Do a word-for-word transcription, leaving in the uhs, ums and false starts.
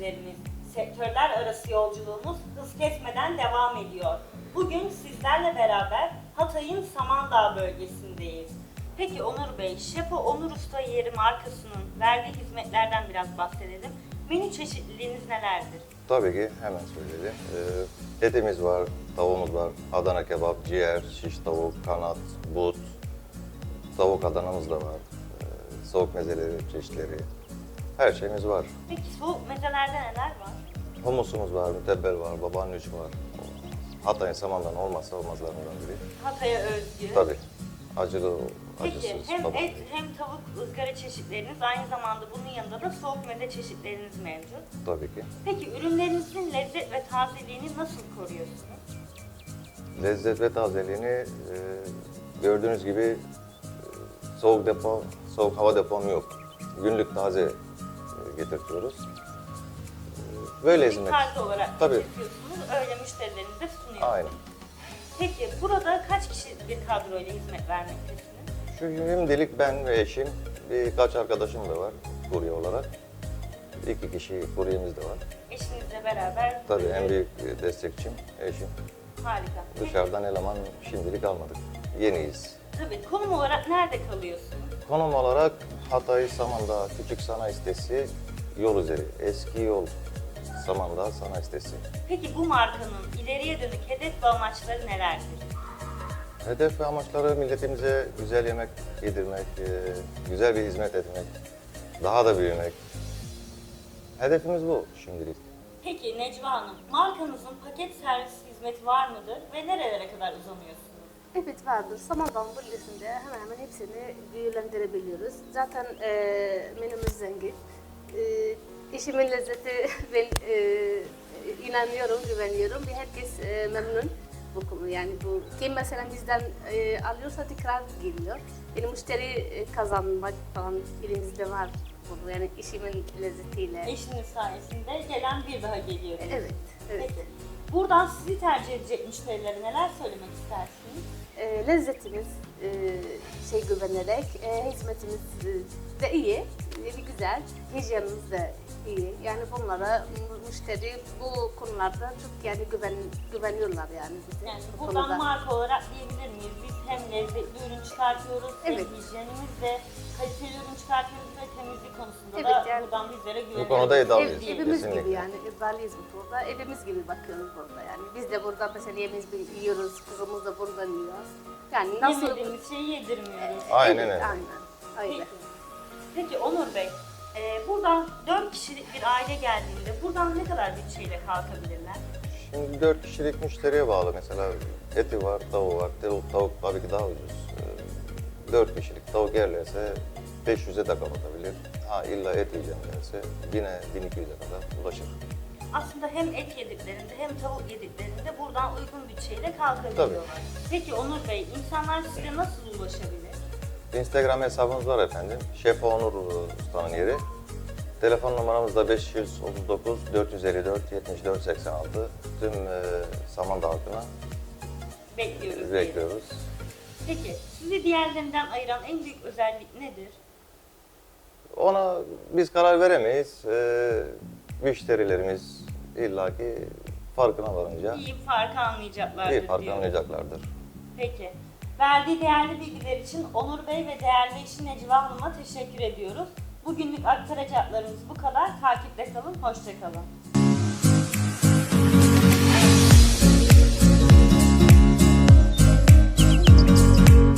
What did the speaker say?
izleyicilerimiz, sektörler arası yolculuğumuz hız kesmeden devam ediyor. Bugün sizlerle beraber Hatay'ın Samandağ bölgesindeyiz. Peki Onur Bey, Şefo Onur Usta Yeri markasının verdiği hizmetlerden biraz bahsedelim. Menü çeşitliliğiniz nelerdir? Tabii ki hemen söyleyelim. Ee, etimiz var, tavuğumuz var, Adana kebap, ciğer, şiş tavuk, kanat, but, tavuk Adana'mız da var. Ee, soğuk mezeleri, çeşitleri, her şeyimiz var. Peki soğuk mezelerde neler var? Humusumuz var, mütebbel var, babaannüç var. Hatay'ın Samandağ'ın olmazsa olmazlarından biri. Hatay'a özgü. Tabii, acılı, Peki acısız. hem tabii. et hem tavuk ızgara çeşitleriniz, aynı zamanda bunun yanında da soğuk meze çeşitleriniz mevcut. Tabii ki. Peki ürünlerinizin lezzet ve tazeliğini nasıl koruyorsunuz? Lezzet ve tazeliğini e, gördüğünüz gibi e, soğuk depo, soğuk hava depom yok. Günlük taze e, getirtiyoruz. E, böyle Bir hizmet. taze olarak Tabii. getiriyorsunuz, öyle müşterilerinize sunuyorsunuz. Aynen. Peki burada kaç kişilik bir kadroyla hizmet vermektesiniz? Şu şimdilik ben ve eşim, birkaç arkadaşım da var kurye olarak. İki kişi kuryemiz de var. Eşinizle beraber. Tabii böyle- en büyük destekçim eşim. Harika. Peki, Dışarıdan eleman şimdilik almadık. Yeniyiz. tabii konum olarak nerede kalıyorsunuz? Konum olarak Hatay Samandağ Küçük Sanayi Sitesi yol üzeri. Eski yol Samandağ Sanayi Sitesi. Peki bu markanın ileriye dönük hedef ve amaçları nelerdir? Hedef ve amaçları milletimize güzel yemek yedirmek, e, güzel bir hizmet etmek, daha da büyümek. Hedefimiz bu şimdilik. Peki Necva Hanım, markanızın paket servis hizmeti var mıdır ve nerelere kadar uzanıyorsunuz? Evet vardır. Samandağ bölgesinde hemen hemen hepsini büyülendirebiliyoruz. Zaten e, menümüz zengin. E, işimin lezzeti ben e, inanıyorum, güveniyorum. Bir herkes e, memnun bu konu. Yani bu kim mesela bizden e, alıyorsa tekrar geliyor. Benim müşteri e, kazanmak falan elimizde var bunu. Yani işimin lezzetiyle. Eşiniz sayesinde gelen bir daha geliyor. Evet, evet. Peki. Buradan sizi tercih edecek müşterilere neler söylemek istersiniz? E, lezzetimiz e, şey güvenerek, e, hizmetimiz e, de iyi, e, güzel, hijyenimiz de iyi. Yani bunlara mu- müşteri bu konularda çok yani güven güveniyorlar yani bize. Yani bu buradan konuda. marka olarak diyebilir miyiz? Biz hem lezzetli ürün çıkartıyoruz, Evet. hem hijyenimizde kaliteli ürün çıkartıyoruz ve temizlik konusunda Evet, da yani- buradan bizlere güveniyoruz. Bu konuda Ev, iddialıyız. evimiz Kesinlikle. gibi yani, iddialıyız bu konuda. Evimiz gibi bakıyoruz burada yani. Biz de burada mesela yemeğimizi yiyoruz, kızımız da buradan yiyor. Yani nasıl... Yemediğimiz şeyi yedirmiyoruz. Aynen Evet, öyle. aynen. Öyle. Peki. Peki Onur Bey, e, buradan dört kişilik bir aile geldiğinde buradan ne kadar bütçeyle kalkabilirler? Şimdi dört kişilik müşteriye bağlı mesela eti var, tavuğu var. Tavuk, tavuk tabii ki daha ucuz. Ee, dört kişilik tavuk yerlerse beş yüze de kapatabilir. Ha illa et yiyeceğim derse yine bin iki yüze kadar ulaşır. Aslında hem et yediklerinde hem tavuk yediklerinde buradan uygun bütçeyle kalkabiliyorlar. Peki Onur Bey, insanlar size nasıl ulaşabilir? Instagram hesabımız var efendim. Şef Onur Usta'nın yeri. Telefon numaramız da beş yüz otuz dokuz dört yüz elli dört yetmiş dört seksen altı. Tüm e, Samandağ halkına Bekliyoruz. diyelim. bekliyoruz. Peki, sizi diğerlerinden ayıran en büyük özellik nedir? Ona biz karar veremeyiz. Ee, müşterilerimiz illaki farkına varınca İyi farkı anlayacaklardır iyi farkı diyorum. anlayacaklardır. Peki. Verdiği değerli bilgiler için Onur Bey ve değerli eşi Necva Hanım'a teşekkür ediyoruz. Bugünlük aktaracaklarımız bu kadar. Takipte kalın, hoşça kalın.